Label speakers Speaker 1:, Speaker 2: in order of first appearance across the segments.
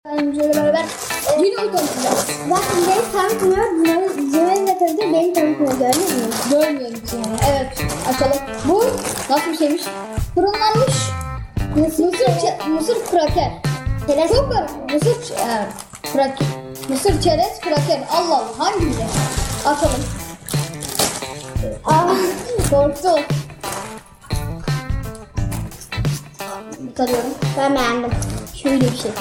Speaker 1: Önceyle beraber Dino'yu tanıtacağız. Zaten beni tanıtmıyor. Dino'yu da tanıtıyor. Beni tanıtmıyor. Gördünüz mü? Görmüyorum yani. Evet. Açalım. Bu nasıl bir şeymiş? Fırınlanmış mısır kraker. Çok var. Mısır çerez kraker. Allah Allah. Hangi biri? Açalım. Korktum. Tarıyorum. Ben beğendim. Şöyle bir şey.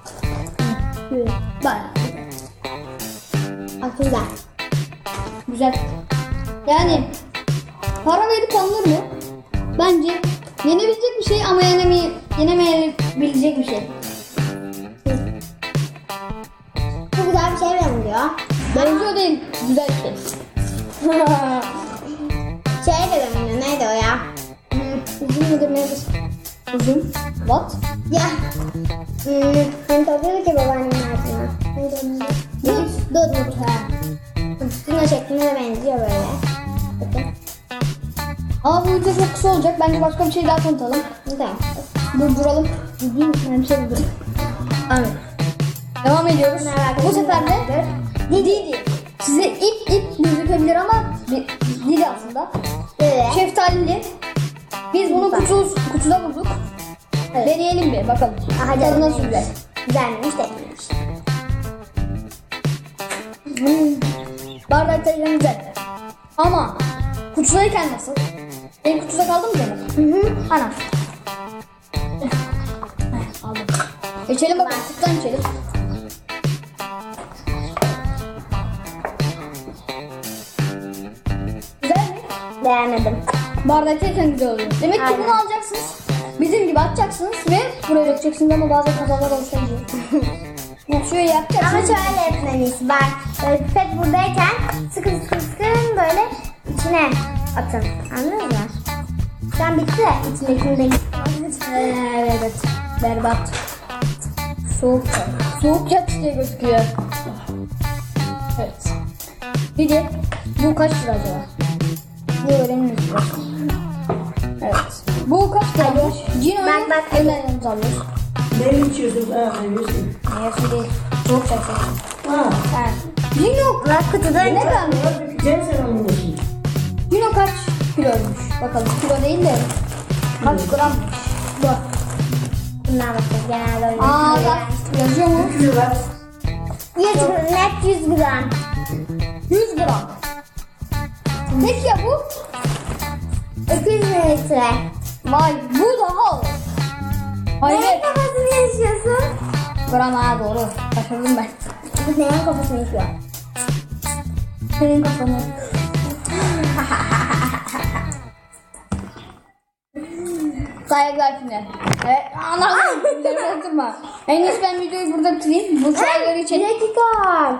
Speaker 1: Bayağı güzel. Güzel. Yani para verip alınır mı? Bence yenebilecek bir şey ama yenemeyebilecek bir şey. Çok güzel bir şey benziyor. Benziyor değil. Güzel bir şey. Şey de benziyor. Neydi o ya? Uzun mudur nedir? Uzun. What? Ya. Hani topluyordu ki babaannemin ağzına. Neydi onun adı? Dut. Dut şekline de benziyor böyle. Bakın. Ama bu video çok kısa olacak. Bence başka bir şey daha tanıtalım. Tamam. Durduralım. Değil mi? Bir şey durduralım. Evet. Devam ediyoruz. Bu sefer de Didi. Size ip gözükebilir ama Didi aslında. Evet. Şeftalili. Biz bunu kutuda bulduk. Evet. Deneyelim bir bakalım. Tadı nasıl güzel. Güzelmiş değilmiş. Bardakta güzel. Ama kutusayken nasıl? Benim kutuda kaldı mı canım? Hı. Ana. Aldım. İçelim bakalım. Kutudan içelim. Güzel mi? Beğenmedim. Bardaktayken güzel oluyor. Demek ki bunu alacaksınız. Bizim gibi atacaksınız ve buraya dökeceksiniz ama bazı kazalar oluşabiliyor. Şöyle yapacaksınız.
Speaker 2: Ama şöyle etmeliyiz. Bak pipet buradayken sıkın böyle içine atın. Anladın mı? Şu an bitti. İçindekini de
Speaker 1: evet. Berbat. Soğuk yat diye gözüküyor. Evet. Bir de bu kaç lira acaba? Bu öğreniriz. Evet. Bu kaç liraymış? Cino'yu elinden alıyoruz.
Speaker 3: Ne içiyorsun? Yiyorsun.
Speaker 1: Yersi değil. Soğuk çaksa.
Speaker 3: Ha.
Speaker 1: Cino
Speaker 2: kutuda
Speaker 1: ne kalmış?
Speaker 3: Gel sen onun başına.
Speaker 1: Cino kaç kiloymuş? Bakalım kilo değil de kaç grammış? Bak.
Speaker 2: bundan bakacağız. Genelde öyle.
Speaker 1: Bak yazıyor mu?
Speaker 3: Kilo
Speaker 2: 100 gram.
Speaker 1: 100 gram. Peki ya bu?
Speaker 2: 200 mililitre.
Speaker 1: Vay bu daha ağır. Hayır.
Speaker 2: Neyin kafasını yaşıyorsun?
Speaker 1: Gram ha doğru. Şaşırdım ben.
Speaker 2: Bu neyin kafasını yaşıyor?
Speaker 1: Senin kafanı. Saygılar final. Evet. Anladım. Güzel oturma. En iyisi ben videoyu burada bitireyim. Bu çayları
Speaker 2: Bir
Speaker 1: içelim.
Speaker 2: dakika.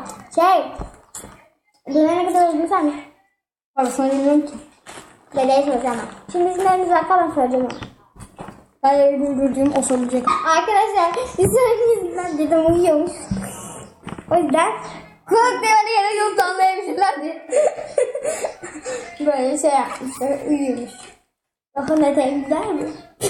Speaker 2: Dönene kadar öldürsen.
Speaker 1: Parasını bilmiyorum ki.
Speaker 2: Dedeye soracağım. Şimdi bizim elimiz var falan soracağım.
Speaker 1: Ben de güldürdüğüm o soracak.
Speaker 2: Arkadaşlar bizim yüzünden dedem uyuyormuş. O yüzden
Speaker 1: Kulak devre yere yok anlayabilirler diye.
Speaker 2: böyle şey yapmışlar. Uyuyormuş. Bakın ne güzel mi?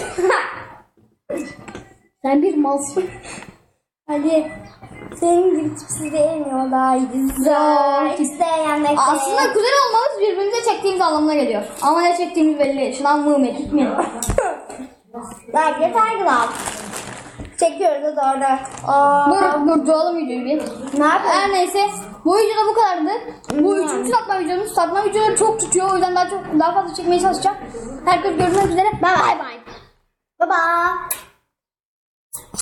Speaker 1: Sen bir malsın.
Speaker 2: Hadi. Senin gibi tipsiz değil mi? O daha iyi. Güzel. İsteyen de
Speaker 1: Aslında güzel olmamız birbirimize çektiğimiz anlamına geliyor. Ama ne çektiğimiz belli değil. Şınav mı etmeyin.
Speaker 2: Belki de saygılar. Çekiyoruz da orada.
Speaker 1: Dur duralım videoyu bir.
Speaker 2: Ne yapıyorsun?
Speaker 1: Her neyse bu videoda bu kadardı. Bu üçüncü satma videomuz. Satma videoları çok tutuyor. O yüzden daha fazla çekmeye çalışacağım. Herkes görüşmek üzere. Ben